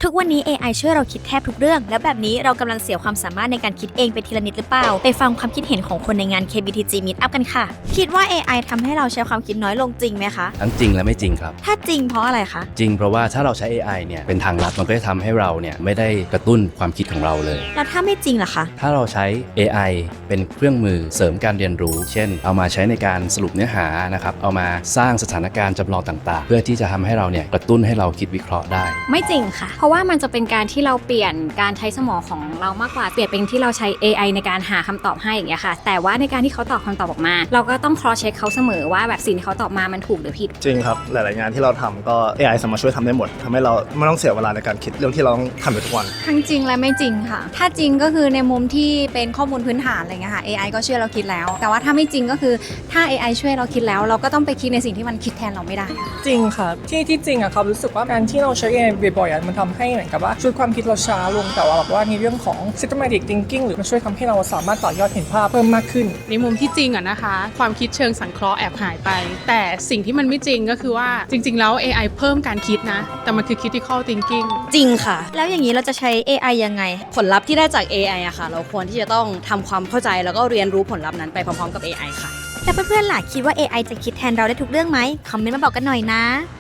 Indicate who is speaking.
Speaker 1: ทุกวันนี้ AI ช่วยเราคิดแทบทุกเรื่องแล้วแบบนี้เรากำลังเสียความสามารถในการคิดเองไปทีละนิดหรือเปล่าไปฟังความคิดเห็นของคนในงาน KBTG Meetup กันค่ะคิดว่า AI ทำให้เราใช้ความคิดน้อยลงจริงไหมคะ
Speaker 2: ทั้งจริงและไม่จริงครับ
Speaker 1: ถ้าจริงเพราะอะไรคะ
Speaker 2: จริงเพราะว่าถ้าเราใช้ AI เนี่ยเป็นทางลัดมันก็จะทำให้เราเนี่ยไม่ได้กระตุ้นความคิดของเราเลย
Speaker 1: แล้วถ้าไม่จริงล่ะคะ
Speaker 2: ถ้าเราใช้ AI เป็นเครื่องมือเสริมการเรียนรู้เช่นเอามาใช้ในการสรุปเนื้อหานะครับเอามาสร้างสถานการณ์จำลองต่างๆเพื่อที่จะทำให้เราเนี่ยกระตุ้นให้เราคิดวิเคราะห์ได้
Speaker 3: ไม่จริงค่ะเพราะว่ามันจะเป็นการที่เราเปลี่ยนการใช้สมองของเรามากกว่าเปลี่ยนเป็นที่เราใช้ AI ในการหาคำตอบให้อย่างเงี้ยค่ะแต่ว่าในการที่เขาตอบคำตอบออกมาเราก็ต้อง cross check เขาเสมอว่าแบบสิ่งที่เขาตอบมามันถูกหรือผิด
Speaker 4: จริงครับหลายๆงานที่เราทำก็ AI สามารถช่วยทำได้หมดทำให้เราไม่ต้องเสียเวลาในการคิดเรื่องที่เราต้องทำอยู่ทุกวัน
Speaker 5: ทั้งจริงและไม่จริงค่ะถ้าจริงก็คือในมุมที่เป็นข้อมูลพื้นฐานอะไรเงี้ยค่ะ AI ก็ช่วยเราคิดแล้วแต่ว่าถ้าไม่จริงก็คือถ้า AI ช่วยเราคิดแล้วเราก็ต้องไปคิดในสิ่งที่มันคิดแทนเราไม่ได้
Speaker 6: จริงค่ะที่จริงอะครับรู้สึกว่าการที่เราใช้ AI บ่อยๆมันทำให้เหมือนกับว่าชุดความคิดเราช้าลงแต่ว่าแบบว่าในเรื่องของ systematic thinking หรือมันช่วยทำให้เราสามารถต่อยอดเห็นภาพเพิ่มมากขึ้น
Speaker 7: ในมุมที่จริงอะนะคะความคิดเชิงสังเคราะห์แอบหายไปแต่สิ่งที่มันไม่จริงก็คือว่าจริงๆแล้ว AI เพิ่มการคิดนะแต่มันคือ critical thinking
Speaker 1: จริงค่ะแล้วอย่างนี้เราจะใช้ AI ยังไง
Speaker 8: ผลลัพธ์ที่ได้จาก AI อะค่ะเราควรที่จะต้องทำความเข้าใจแล้วก็เรียนรู้ผลลัพธ์นั้นไปพร้อมๆกับ AI ค่ะ
Speaker 1: แต่เพื่อนๆล่ะคิดว่า AI จะคิดแทนเราได้ทุกเรื่องไหมคอมเมนต์มาบอกกันหน่อยนะ